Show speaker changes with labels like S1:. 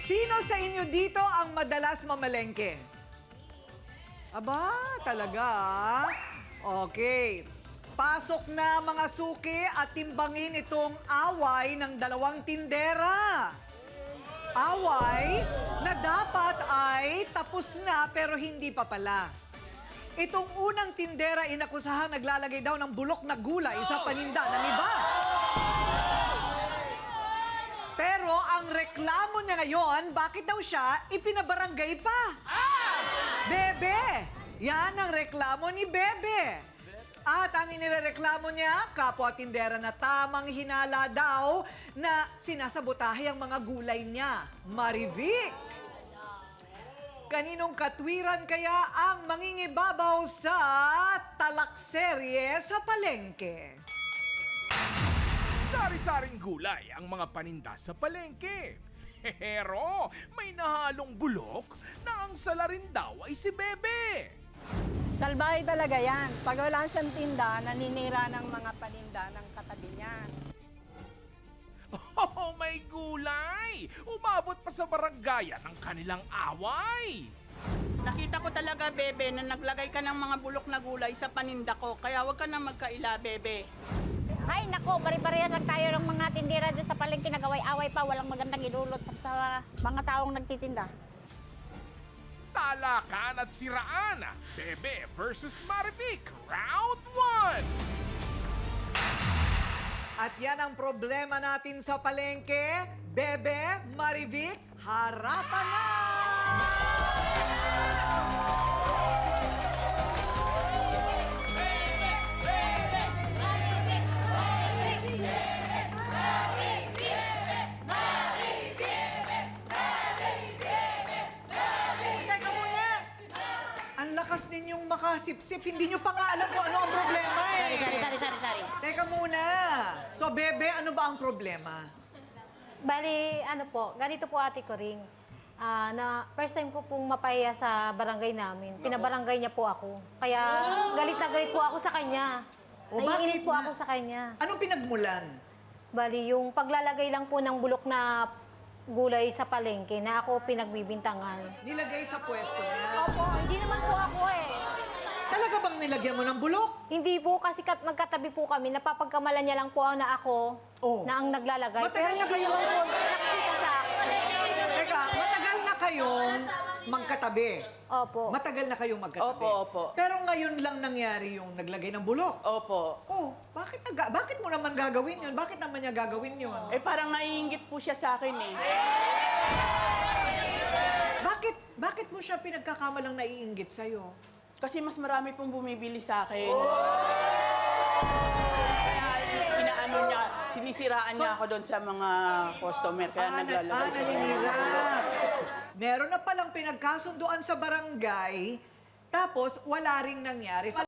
S1: Sino sa inyo dito ang madalas mamalengke? Aba, talaga ah. Okay. Pasok na mga suki at timbangin itong away ng dalawang tindera. Away na dapat ay tapos na pero hindi pa pala. Itong unang tindera inakusahan naglalagay daw ng bulok na gulay sa paninda ng iba. Pero ang reklamo niya ngayon, bakit daw siya ipinabarangay pa? Bebe! Yan ang reklamo ni Bebe. At ang inireklamo niya, kapwa tindera na tamang hinala daw na sinasabotahe ang mga gulay niya. Marivic! Kaninong katwiran kaya ang mangingibabaw sa talakserye sa palengke?
S2: Sari-saring gulay ang mga paninda sa palengke. Pero may nahalong bulok na ang sala rin daw ay si Bebe.
S3: Salbahe talaga yan. Pag wala siyang tinda, naninira ng mga paninda ng katabi niya.
S2: Oh, may gulay! Umabot pa sa barangay ang kanilang away.
S4: Nakita ko talaga, Bebe, na naglagay ka ng mga bulok na gulay sa paninda ko. Kaya huwag ka na magkaila, Bebe.
S5: Ay, nako, pare-parehan lang tayo ng mga tindera doon sa palengke, nagaway-away pa, walang magandang idulot sa mga taong nagtitinda.
S2: Talakan at siraan. Bebe versus Marivic, round 1.
S1: At yan ang problema natin sa palengke. Bebe, Marivic, harapan na! Teka muna! Ang lakas ninyong makasipsip, hindi nyo pa nga alam kung ano ang problema eh.
S5: Sorry.
S1: Teka muna. So, Bebe, ano ba ang problema?
S6: Bali, ano po, ganito po ate ko ring. Na first time ko pong mapahiya sa barangay namin. Pinabarangay niya po ako. Kaya galit na galit po ako sa kanya.
S1: O,
S6: Naiinis
S1: bakit
S6: po
S1: na?
S6: ako sa kanya.
S1: Anong pinagmulan?
S6: Bali, yung paglalagay lang po ng bulok na gulay sa palengke na ako pinagbibintangan.
S1: Nilagay sa pwesto niya.
S6: Opo, hindi naman po ako eh.
S1: Talaga bang nilagyan mo ng bulok?
S6: Hindi po kasi magkatabi po kami. Napapagkamalan niya lang po na ako
S1: Oh.
S6: na ang naglalagay.
S1: Matagal na
S6: hindi
S1: kayo-
S6: naman po nakikita sa akin.
S1: Teka, matagal na kayong magkatabi.
S6: Opo.
S1: Matagal na kayong magkatabi.
S4: Opo.
S1: Pero ngayon lang nangyari yung naglagay ng bulok.
S4: Opo.
S1: Oh, bakit mo naman gagawin yun? Bakit naman niya gagawin yun?
S4: Eh, parang naiingit po siya sa akin eh.
S1: Bakit mo siya pinagkakamalang naiinggit sa'yo?
S4: Kasi mas marami pong bumibili sa akin. Kaya inaano niya, sinisiraan niya ako doon sa mga customer. Kaya naglalagay siya.
S1: naninira. Meron na palang pinagkasunduan sa barangay, tapos wala ring nangyari.